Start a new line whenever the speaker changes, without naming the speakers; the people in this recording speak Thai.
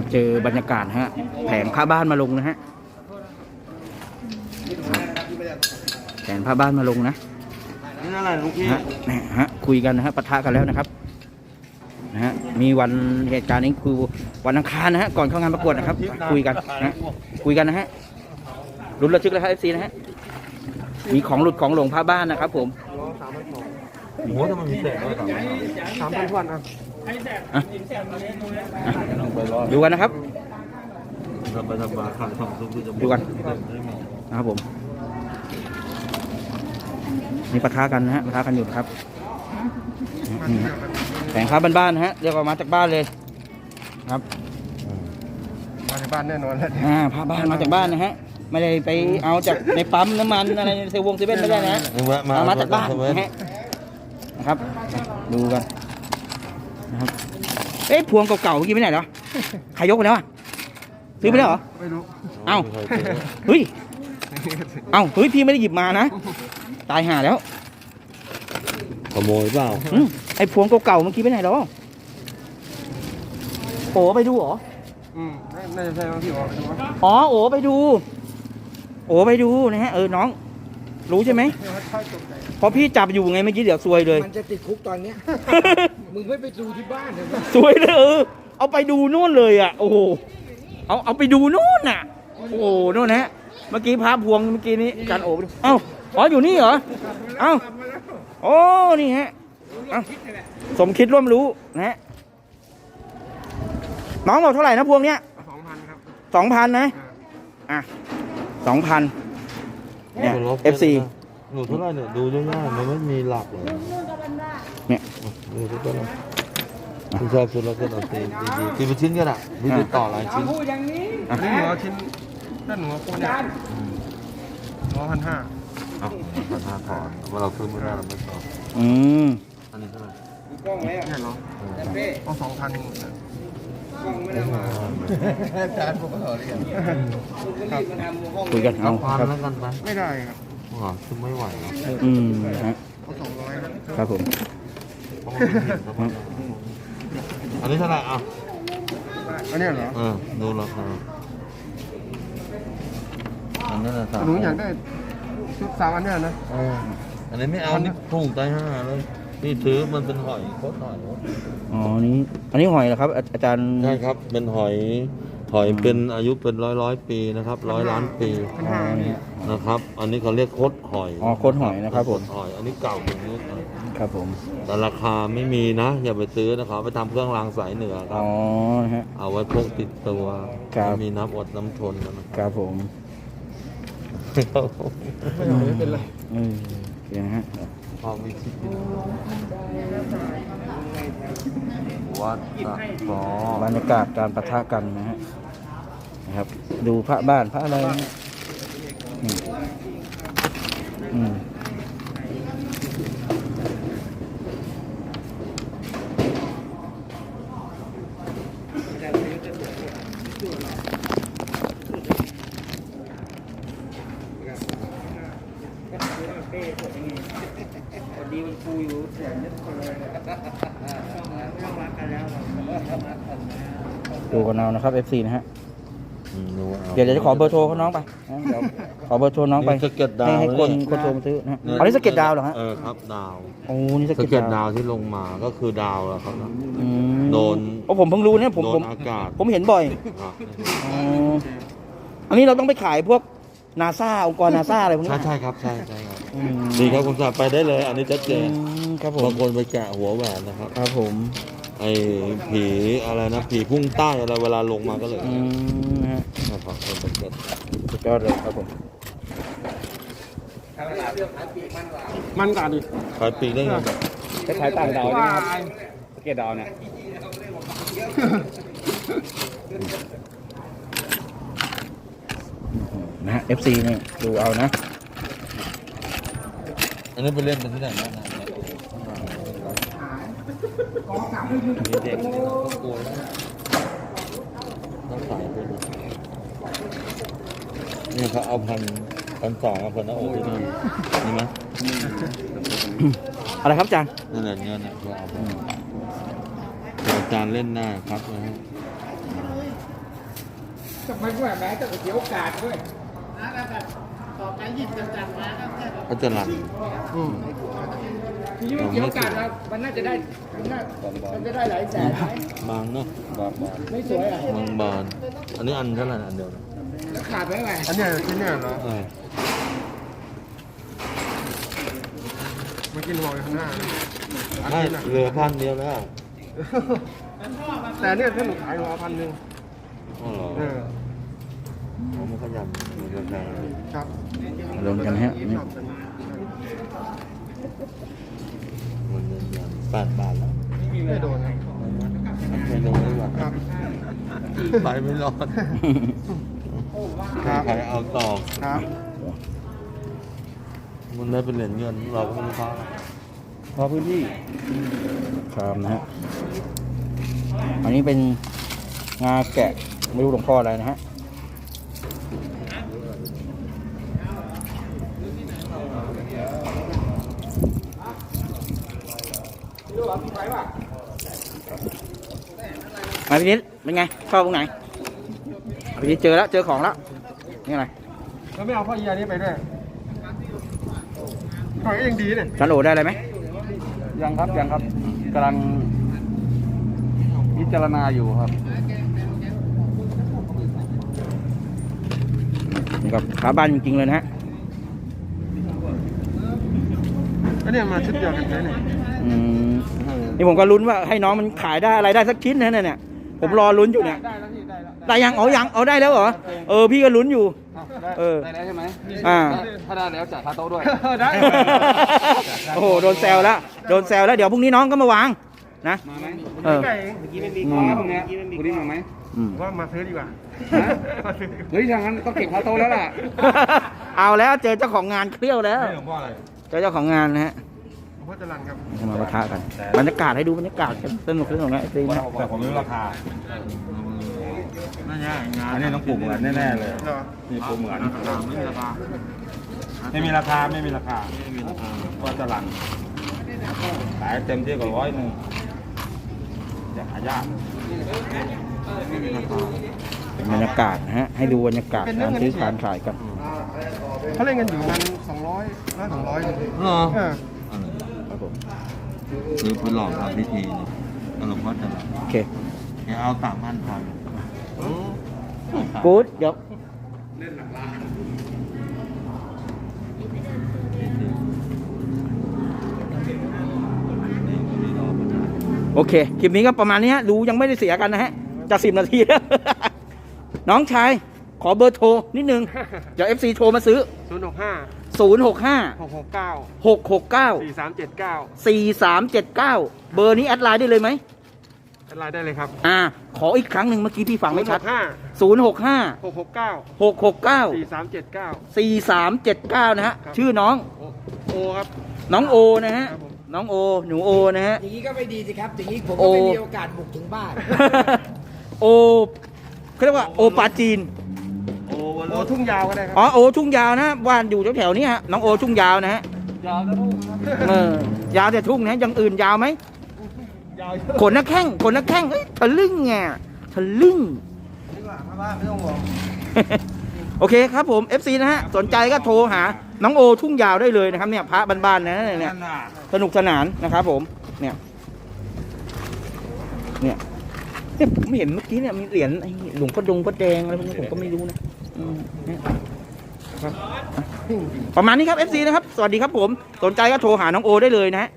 เจอบรรยากาศฮะแผงผ้าบ้านมาลงนะฮะแผงผ้าบ้านมาลงนะ
นี่อะไรลูกพี่
ฮะคุยกันนะฮะปะทะกันแล้วนะครับนะฮะมีวันเหตุการณ์นี้คือวันอังคารนะฮะก่อนเข้างานประกวดนะครับคุยกันนะคุยกันนะฮะลุ้นระทึกแล้วครับ FC นะฮะมีของหลุดของหลงผ้าบ้านนะครับผม
โอ้โหทำไมมีแสงด้วย3,000 วันครับ
ดูกันนะครับดูกันนะครับผมนี่ปะทะกันนะฮะปะทะกันอยู่ครับแผงค้าบ้านๆนะฮะเรียกว่ามาจากบ้านเลยครับ
มาจากบ้านแน่นอนแล้ว
ผ้าบ้านมาจากบ้านนะฮะไม่ได้ไปเอาจากในปั๊มน้ำมันอะไรเซเว่นไม่ได้นะมาจากบ้านนะฮะนะครับดูกันนะครับพวงเก่าๆเมื่อกี้ไปไหนเหรอใครยกไปแล้วซื้อไปแล้วเหรอ
ไม่รู้
เอ้าเฮ้ยพี่ไม่ได้หยิบมานะตายห่าแล้ว
ขโมยเปล่า
ไอ้พวงเก่าๆเมื่อกี้ไปไหนหรอโอ้ไปดูเหรอ
น่าจะใช่บางที่ไปดู
อ๋อโอ้ไปดูนะฮะน้องรู้ใช่ไหมพอพี่จับอยู่ไงเมื่อกี้เดี๋ยวซวยเลย
มันจะติดคุกตอนเนี้ยมึงไม่ไปดูที่บ้านเลย
ซวยเลยเอาไปดูนู่นเลยอ่ะโอ้โหเอาไปดูนู่นน่ะโอ้โหนู่นนะฮะเมื่อกี้พาพวงเมื่อกี้นี้การโอ้อ๋ออยู่นี่เหรอโอ้นี่ฮะสมคิดร่วมรู้นะฮะน้องบอกเท่าไหร่นะพวงเนี้ย
2,000 ครับ
2,000 นะ2,000เนี่ย FC
หนูเท่าไหร่เนี่ยดูยากๆมันไม่มีหลักเลย
เนี่ย
ดูทุกคนคุณชอบซื้อแล้วก็เอาตีเป็นชิ้นก็ได้มีติดต่อหลายชิ้นนี่หัวชิ้นด้านหัวโคนเนี่ยหัว1,5001,500 ถอนว่าเราซื้อไม่ได้เราไม่ต่ออันนี้เท่าไหร่กล้องไหมเนี่ยเหรอเอา2,000จานพวกเขาเรียน
คุยกันเอา
ครับแล้วกันไปไม่ได้ครับคือไม่ไหวฮะเขา200
ครับผม
อันนี้เท่าไหร่อันนี้เหรอดูราคาอันนี้นะหนูอยากได้ชุด3 อันเนี่ยนะอันนี้ไม่เอานี่พุ่งตาย5เลยนี่ถือมันเป็นหอยโคตรหอย
อ๋ออันนี้หอยเหรอครับอาจารย์
ใช่ครับเป็นหอยเป็นอายุเป็นร้อยปีนะครับ100 ล้านปีนะครับอันนี้เขาเรียกโคตรหอย
โคตรหอยนะครับผม
หอยอันนี้เก่าอย่างนี้
ครับผม
แต่ราคาไม่มีนะอย่าไปซื้อนะครับไปทำเครื่องรางสายเหนือครับเอาไว้พกติดตัวมีน้ำอดน้ำทน
นะครับผม
ไม่เป็นไร
อย่างฮะ
พอมีชิดวัด
บรรยากาศการปะทะกันนะครับดูพระบ้านพระอะไรดีมันฟูอยู่เสียงนิดคนเลยดูกันเอานะครับ FC นะฮะเดี๋ยวจะขอเบอร์โทรเขาน้องไปเดี๋ยวขอเบอร์โทรน้องไปให้คนโทรมาซื้อนะอันนี้สเก็ตดาวเหรอฮะ
ครับดาว
นี่สเก็ต
ดาวที่ลงมาก็คือดาวแล้วครับโดน
ผมเพิ่งรู้เนี่ยผมเห็นบ่อยอันนี้เราต้องไปขายพวกนาซาองค์กรนาซาอะไรพวกนี้
ใช่ครับใช่ครับดีครับคุณสาไปได้เลยอันนี้ชัดเจน
ครับผม
บางคนไปแกะหัวแหวนนะครับ
ครับผม
ไอ้ผีอะไรนะผีพุ่งใต้อะไรเวลาลงมาก็เลยนะครับ
สุดยอดเลยครับผม
มันกว่าดิ
ขายปีกได้ไง
จะขายต่างดาวนี่ครับสเก็ตดาวเนี่ยนะ FC นี่ดูเอานะ
อันนี้ไปเล่นเป็นที่ไหนบ้างเด็กต้องกลัวต้องขายไปนี่เขาเอา1,200เอาหน้าอกที่นี่ไหม
อะไรครับอาจารย์
นั่นแหละเงินเขาเอาอาจารย์เล่นหน้าครับนะฮะ
ทำไมว่าแม้ต้องเสียโอกาสด้วย
เขาจะรัน
ทีนี้มันเสียโอกาสแล้วมันน่าจะได้มันจะได้หลายแสนไหม
บางเนาะบาง
ไม่สวยอ่ะ
บางบานอันนี้อันเท่าไหร่อันเดียวนะ
แล้วขาดไปไหม
อันเนี้ยชิ้นเนี่ยเหรอ เมื่อกี้บอกอยู่ข้างหน้า
ไม่เหลือพันเดียวแล้ว
แต่เนี่ยถ้าหนูขายหนูเอา1,000
อ๋อเหรอ
เออ
ผมไม่ขยันมีราคา
ครับ
ลงกันฮะนี่
มันเงินยัน8 บาทแล้ว
ไม่โดนครับ
ไม่โดนเลยว่ะ
ครับ
ไปไม่รอด
ครับ
ใครเอาต่อ
ครับ
มันได้เป็นเหรียญเงินเราก็ไม่รู้ค่า
พอพื้นที่ครับนะฮะอันนี้เป็นงาแกะไม่รู้หลวงพ่ออะไรนะฮะมาพี่นิดเป็นไงชอบตรงไหนพี่นิดเจอแล้วเจอของแล้วนี่อะไร
แล้วไม่เอาพ่อเอียนี้ไปด้วยหอยก็ยังดีเนี่ย
ฉันโอได้อะไรไหม
ยังครับกำลังพิจารณาอยู่ครับ
นี่ก็ขาบ้านจริงๆเลยนะฮะ
ก็เนี่ยมาชุดเดียวกันเลยเนี่ย
อืมนี่ผมก็ลุ้นว่าให้น้องมันขายได้อะไรได้สักชิ้นนะเนี่ยผมรอลุ้นอยู่เนี่ย
ได้แล้วพี่ได้แล้ว
ได้ยังเอาได้แล้วเหรอพี่ก็ลุ้นอยู่
ได้
ได้แล้วใช่ไหม
อ่า
ถ้าได้แล้วจ่ายค่าโต๊ะด้วย
ได้
โอ้โหโดนแซวแล้วเดี๋ยวพรุ่งนี้น้องก็มาวางนะ
มาไหม
เออ
ไก่
เมื่อกี้ไม่มีของพวกเนี้ยพรุ่งนี้มาไหม
อืม
ว่ามาซื้อดีกว่า
ฮะเฮ้ยทางนั้นต้องเก็บค่าโต๊ะแล้วล่ะ
เอาแล้วเจอเจ้าของงานเครี้ยวแล้ว
หลวงพ่ออะไร
เจอเจ้าของงานนะฮะ
หลวงพ่อจรัญครับ
มาปะทะกันบรรยากาศให้ดูบรรยากาศสนุกนะไอ้ตีนะ
แต่ผมไม่รู้ราคาน่าจะงานอันนี้ต้องปลูกเหมือนแน่ๆเลย
เหรอ
มีปลูกเหมือนไม่มีราคา
ไม่มีราคาก็จะหลังขายเต็มที่ก็100จะหายาก
เป็นบรรยากาศนะฮะให้ดูบรรยากาศการซื้อการขายกัน
เขาเล่นกันอยู่มัน200 200
เหรอ
เออ
ครับผม
ซื้อไปหลอกทำพิธีนี่หลวงพ่อจะ
โอเค
เอา3,000พอ
กู๊ดเดี๋ยวโอเค คลิปนี้ก็ประมาณนี้ฮะดูยังไม่ได้เสียกันนะฮะจะ10 นาทีแล้ว น้องชาย ขอเบอร์โทรนิดนึง เดี๋ยว FC โทรมาซื้อ
065
065
669
669
4379
4379 เบอร์นี้แอดไลน์ได้เลยไหม
เป็นรายได้เลยครับ
ขออีกครั้งหนึ่งเมื่อกี้พี่ฟังไม่ชัด
065
065
669
669
4379
4379 นะฮะ
ครับ
ชื่อน้อง
โอครับ
น้องโอนะฮะ
ครับผม
น้องโอ หนูโอนะฮะ
อย่างนี้ก็ไม่ดีสิครับ อย่างนี้ผม
โอ้
ก็ไม่มีโอกาสบุกถึงบ้าน
โอเขาเรียกว่าโอปาจีน
โอทุ่งยาวก็ได้ครั
อ๋อโอทุ่งยาวนะบ้านอยู่แถวๆนี้ฮะน้องโอทุ่งยาวนะฮะ
ยาวแล้ว
ยาวแต่ทุ่งนะยังอื่นยาวไหม
ยาว
ขนนักแข้งเอ้ยทะลึ่งไงทะลึ่ง
ดีกว่ามาบ้านไม่ต้องห่วง
โอเคครับผม FC นะฮะสนใจก็โทรหาน้องโอทุ่งยาวได้เลยนะครับเนี่ยพระบ้านๆนะเนี่ยสนุกสนานนะครับผมเนี่ยผมเห็นเมื่อกี้เนี่ยมีเหรียญไอ้หลวงพ่อดงพ่อแดงอะไรพวกนี้ผมก็ไม่รู้นะเนี่ยครับประมาณนี้ครับ FC นะครับสวัสดีครับผมสนใจก็โทรหาน้องโอได้เลยนะฮะ